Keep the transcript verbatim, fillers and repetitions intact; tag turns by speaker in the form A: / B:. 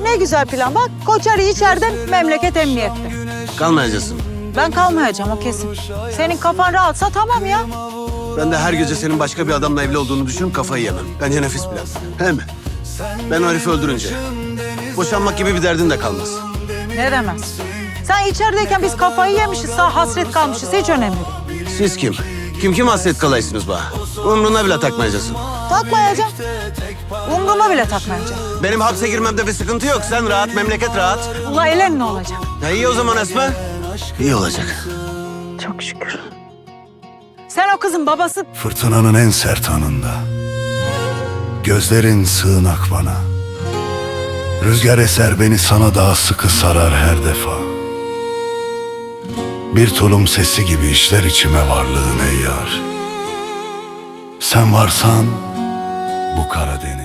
A: Ne güzel plan bak. Koçarı içeriden, memleket emniyette.
B: Kalmayacaksın.
A: Ben kalmayacağım o kesin. Senin kafan rahatsa tamam ya.
B: Ben de her gece senin başka bir adamla evli olduğunu düşünüp kafayı yemem. Bence nefis plan. Hem ben o herifi öldürünce boşanmak gibi bir derdin de kalmaz.
A: Ne demez. Sen içerideyken biz kafayı yemişiz, sağ hasret kalmışız. Hiç önemli değil.
B: Siz kim? Kim kim hasret kalaysınız bana? Umruna bile takmayacaksın.
A: Takmayacağım. Umruma bile takmayacağım.
B: Benim hapse girmemde bir sıkıntı yok. Sen rahat, memleket rahat.
A: Ula elen ne olacak?
B: Ya iyi o zaman Esma. İyi olacak.
A: Çok şükür. Sen o kızın babası...
C: Fırtınanın en sert anında gözlerin sığınak bana. Rüzgar eser beni sana daha sıkı sarar her defa. Bir tulum sesi gibi işler içime varlığın ey yar. Sen varsan bu Karadeniz